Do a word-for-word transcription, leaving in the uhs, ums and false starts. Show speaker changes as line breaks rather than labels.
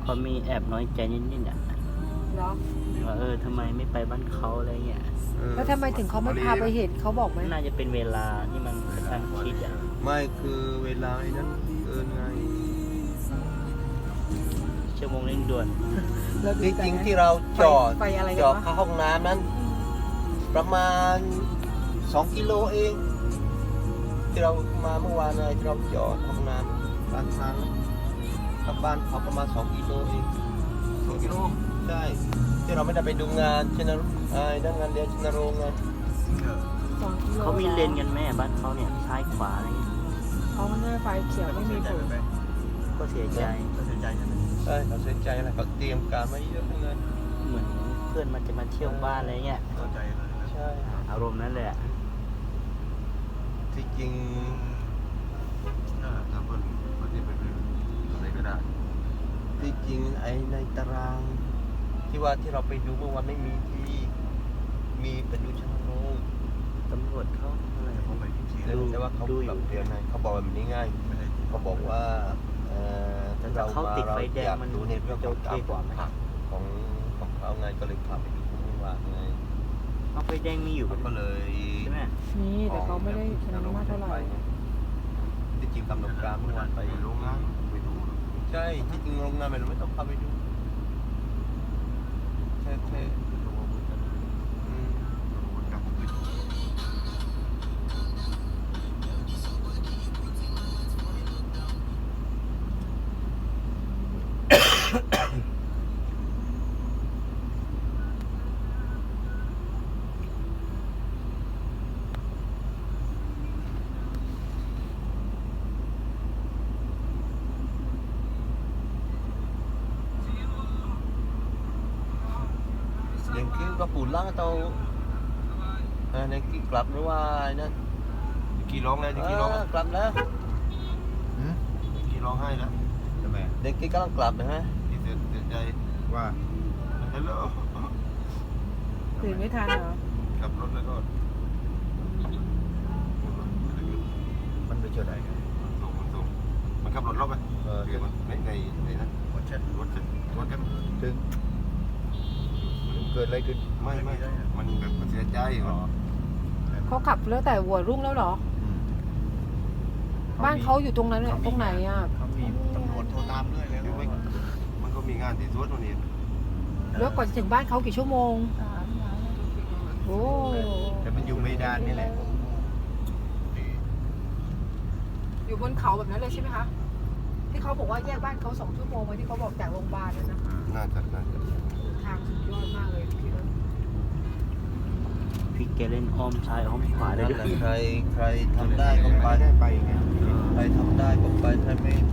เขามีแอบน้อยใจนิดๆอ่ะ
เหรอ
ว่าเออทำไมไม่ไปบ้านเขาอะไรเงี้ย
แล้วทำไมถึงเขาไม่พาไปเห็นเขาบอกไหม
น่าจะเป็นเวลาที่มันกระชั้นชิดอ่ะ
ไม่คือเวลาไอ้นั้นเกินไง
ชั่วโมงเร่งด่วน
เราดู
ที่
ใจ
จริง
นะ
ที่เราจอด
ไปอะไร
จ
กัน
อด
วะ
เข้าห้องน้ำนั้น ประมาณสองกิโลเอง ที่เรามาเมื่อวานไงที่เราจอดห้องน้ำบ้านทางกับบ้านเขาประมาณสองกิโลเองสองกิโลใช่ที่เราไม่ได้ไปดูงานชนรไอ้นั่นงานเดียวชนโรงไง
สองกิโล
เขามีเลนกันแม่บ้านเขาเนี่ยซ้ายขวาอะไรเงี้ย
เขาไม่ได้ไฟเขียวไม่มีผล
ก็เสียใจ
ใช่เขาเสียใจอะไรเขาเตรียมการมาเยอะทั้งนั้น
เหมือนเพื่อนมันจะมาเที่ยวบ้านอะไรเงี้ย
ใช่
อารมณ์นั้นเลยอ่ะ
ที่จริง
ถ้าเพิ่นเพิ่นที่ไปเป็นอะไรก็ได้
ที่จริงไอ้ในตาราง ที่ว่าที่เราไปดูเมื่อวานไม่มีที่มีเป็นดูชนโรง
ตำรวจเขาอะไร
เขาไปที่ที่
แต่แต่ว่าเขา
ดูอ
ปรั
ยู่
บเปลี่ยนไงเขาบอกแบบนี้ง่าย
ไม่ได้
เขาบอกว่าเอ่อ
แต่ถ้าเขาติดไฟแดงมัน
ดูในเรื่องของ
จะ
การ
โอเคกว่าไหม
ผักของของเขาไงก็เลยพาไปดูเมื่อวานไง
เอาไฟแดงมีอยู่
เขาก็เลย
ใช่ไหม
นี่แต่เขาไม่ได้ชนะมากเท่าไหร่
ที่จริงกำหนดการเมื่อวานไป
ไปโรงงานไปดู
ใช่ที่จริงโรงงานมันไม่ต้องพาไปดูแค่แค่
ดูว่ามันจะ
อืม
ดูมันกลับมาขึ้น
อย่างกี้ก็ปูนล่างเตาเออในกี้กลับหรือว่าไอ้นั่น
กี่ร้องแล้วกี่ร้อง
เออกลับแล้ว
กี่ร้องให้แล้วทำไม
เด็กกี้กำลังกลับนะฮะ
ที่เสียใจว่าฮัลโหล
ตื่นไม่ทันเหรอ
ขับรถแล้วก็
มันไปเจอไหนกัน
ส่งมันส่งมันขับรถรอบไหม
เออ
คือมันในในในนั้นรถเช็ดรถเช็ดรถกัน
ถึงเกิดอะไรขึ้น
ไม่ไม่มันแบบเสียใจเหรอ
เขาขับแล้วแต่หัวรุ่งแล้วเหรอ บ้านเขาอยู่ตรงนั้นเนี่ยตรงไหนอ่ะ
เขามีตำรวจโทรตามเรื่อยเลยมันก็มีงานที่สวนวันนี้
แล้วก่อนจะถึงบ้านเขากี่ชั่วโมงโอ้
แต่มันอยู่ไม่ดานนี่แหละ
อยู่บนเขาแบบนั้นเลยใช่ไหมคะที่เขาบอกว่าแยกบ้านเขาสองชั่วโมงมาที่เขาบอกจากโรงพยาบาลนั่นนะ
น่าจะน่าจะ
ทางสุดยอดมากเลยพี่เอิร์ธ
พี่แกเล่นอ้อมซ้ายอ้อมขวาได้
นั่น
ด้ว
แหละ
ย
ใครใครทำได้ก็ไป
ได้ไปไง
ใครทำได้ก็ไปถ้าไม่